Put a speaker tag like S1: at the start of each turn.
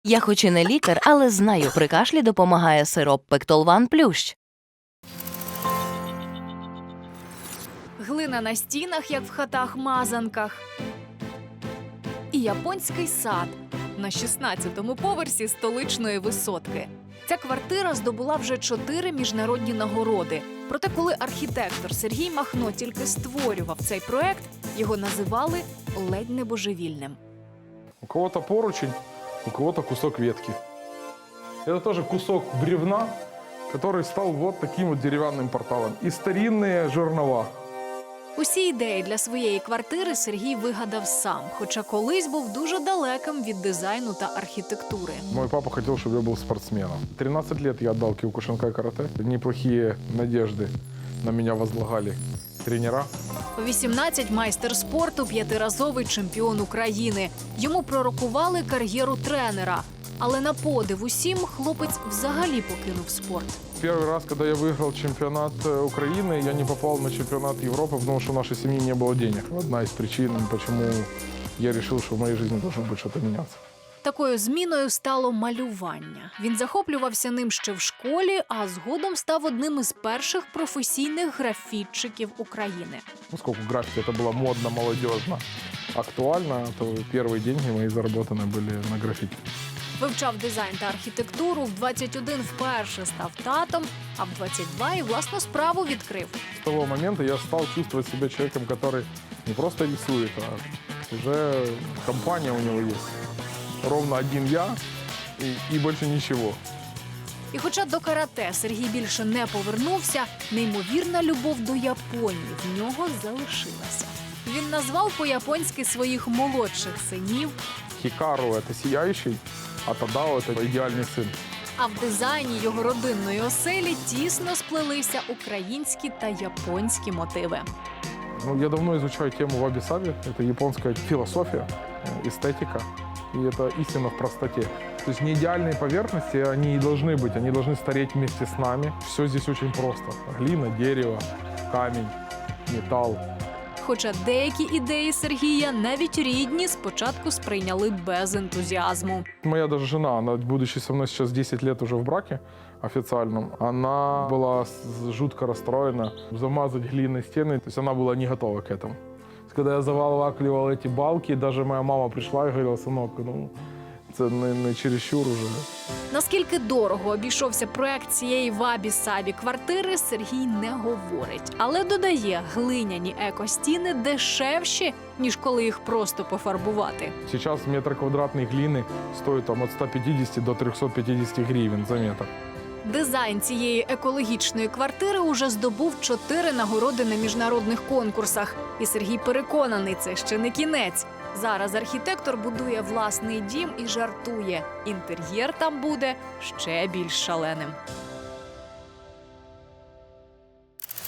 S1: Я хоч і не лікар, але знаю, при кашлі допомагає сироп Пектолван Плющ.
S2: Глина на стінах, як в хатах-мазанках. І японський сад на 16-му поверсі столичної висотки. Ця квартира здобула вже 4 міжнародні нагороди. Проте, коли архітектор Сергій Махно тільки створював цей проект, його називали ледь не божевільним.
S3: У кого-то поручень, у кого-то кусок ветки. Это тоже кусок бревна, который стал вот таким вот деревянным порталом. И старинные жернова.
S2: Усі ідеї для своєї квартири Сергій вигадав сам, хоча колись був дуже далеким від дизайну та архітектури.
S3: Мой папа хотел, чтобы я был спортсменом. 13 лет я отдал киокушинкай карате. Неплохие надежды на меня возлагали тренера.
S2: У 18 майстер спорту, 5-разовий чемпіон України. Йому пророкували кар'єру тренера. Але на подив усім хлопець взагалі покинув спорт.
S3: Первый раз, когда я выиграл чемпионат Украины, я не попал на чемпионат Европы, потому что у нашей семьи не было денег. Одна из причин, почему я решил, что в моей жизни должно быть что-то меняться.
S2: Такою зміною стало малювання. Він захоплювався ним ще в школі, а згодом став одним із перших професійних графітчиків України.
S3: Поскольку граффити это было модно, молодежно, актуально, то первые деньги мои заработаны были на граффити.
S2: Вивчав дизайн та архітектуру, в 21 вперше став татом, а в 22 і власну справу відкрив.
S3: С того момента я стал чувствовать себя человеком, который не просто рисует, а уже компания у него есть. Ровно один я и больше ничего.
S2: І хоча до карате Сергій більше не повернувся, неймовірна любов до Японії в нього залишилася. Він назвав по-японськи своїх молодших синів,
S3: Хикару – это сияющий, а Тадао – это идеальный сын.
S2: а в дизайні його родинної оселі тісно сплелися українські та японські мотиви.
S3: Я давно изучаю тему ваби-саби. Это японская философия, эстетика. И это истина в простоте. То есть не идеальные поверхности, они и должны быть. Они должны стареть вместе с нами. Все здесь очень просто. Глина, дерево, камень, металл.
S2: Хоча деякі ідеї Сергія навіть рідні спочатку сприйняли без ентузіазму.
S3: Моя даже жена, она, будучи со мной сейчас 10 лет уже в браке официальном, она была жутко расстроена. Замазать глиной стены, то есть она была не готова к этому. Когда я завалакливал эти балки, даже моя мама пришла и говорила: сынок, це не чересчур уже.
S2: Наскільки дорого обійшовся проект цієї вабі-сабі квартири, Сергій не говорить. Але додає, глиняні екостіни дешевші, ніж коли їх просто пофарбувати.
S3: Сейчас метр квадратной глины стоит от 150 до 350 гривен за метр.
S2: Дизайн цієї екологічної квартири уже здобув 4 нагороди на міжнародних конкурсах. І Сергій переконаний, це ще не кінець. Зараз архітектор будує власний дім і жартує. Інтер'єр там буде ще більш шаленим.